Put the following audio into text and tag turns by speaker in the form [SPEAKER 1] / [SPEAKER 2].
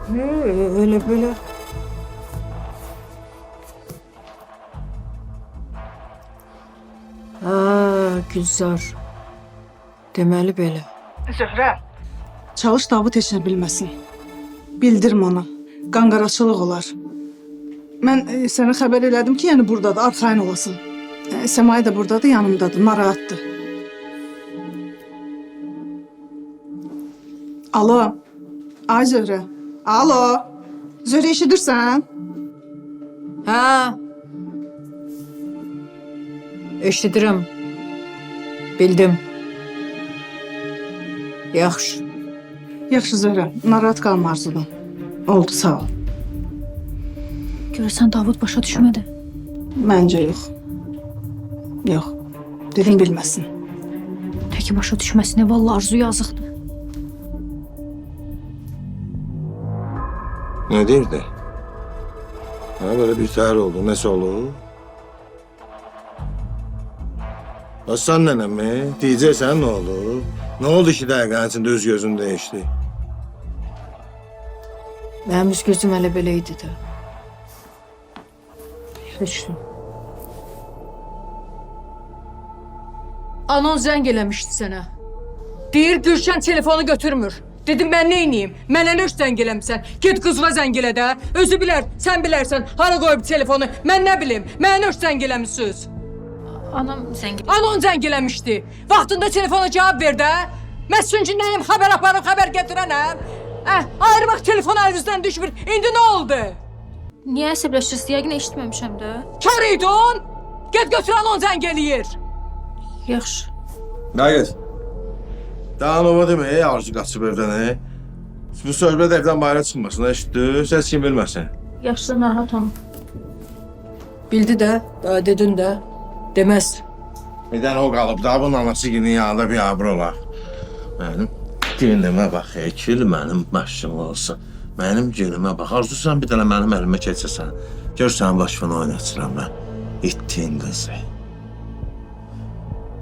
[SPEAKER 1] Öyle böyle. Ha, Gülzar. Deməli belə.
[SPEAKER 2] Zöhrə. Çalış Davut heç nə bilməsin. Bildirmə ona. Qanqaraçılıq olar. Mən sənə xəbər elədim ki, yəni buradadır, arxayın olasın. Səmay da buradadır, yanımdadır, narahatdır. Alo. Ay Zöhrə. Alo. Zöhrə eşidirsən?
[SPEAKER 1] Ha. Eşidirəm. Bildim. Yaxşı.
[SPEAKER 2] Yaxşı Zöhrə, narahat qalma Arzudan. Oldu, sağ ol.
[SPEAKER 3] Görürsən Davud başa düşmədi.
[SPEAKER 2] Məncə yox. Yox. Dedim bilməsin.
[SPEAKER 3] Təki başa düşməsinə vallahi Arzu yazıqdır.
[SPEAKER 4] Ne derdi? Ha, böyle bir tarih oldu. Nesi olur? Aslan nenem mi? Diyeceksen ne olur? Ne oldu ki dakikanın içinde öz gözün değişti?
[SPEAKER 1] Mənim üz gözüm hələ belə idi də. Heç nə. Anon zəng eləmişdi sənə. Deyir Gülşən telefonu götürmür. Dedim ben neyniyim? Mənə nə zəng eləmişsən? Get qızına zəng elə də. Özü bilər, sən bilərsən. Hara qoyub telefonu? Mən nə bilim? Mənə nə zəng eləmişsiniz?
[SPEAKER 3] Anam zəng
[SPEAKER 1] Anon zəng eləmişdi. Vaxtında telefona cavab ver də. Mən çünki nəyim? Xəbər aparım, xəbər gətirənəm. Ayrı telefon əlinizdən düşmür. İndi nə oldu?
[SPEAKER 3] Niyə əsəbləşirsən? Yəqin eşitməmişəm də.
[SPEAKER 1] Kar idin. Get götür anon zəng eləyir.
[SPEAKER 3] Yaxşı.
[SPEAKER 4] Gayet. Daha nova değil mi? Arzu kaçıp evden he. Bu söhbət evden bayra çıkmasın. Eşitdi. Ses kim bilməsin.
[SPEAKER 3] Yaxşı, narahat olma.
[SPEAKER 1] Bildi də, daha dedin də. Deməz.
[SPEAKER 4] Bir tane o kalıp da bunun anası günün yanında bir abır olar. Benim günüme bak Ekil, benim başım olsun. Benim günüme bak. Arzu sen bir tane benim elime keçirsən. Gör sen başını oynatıram ben. İttin kızı.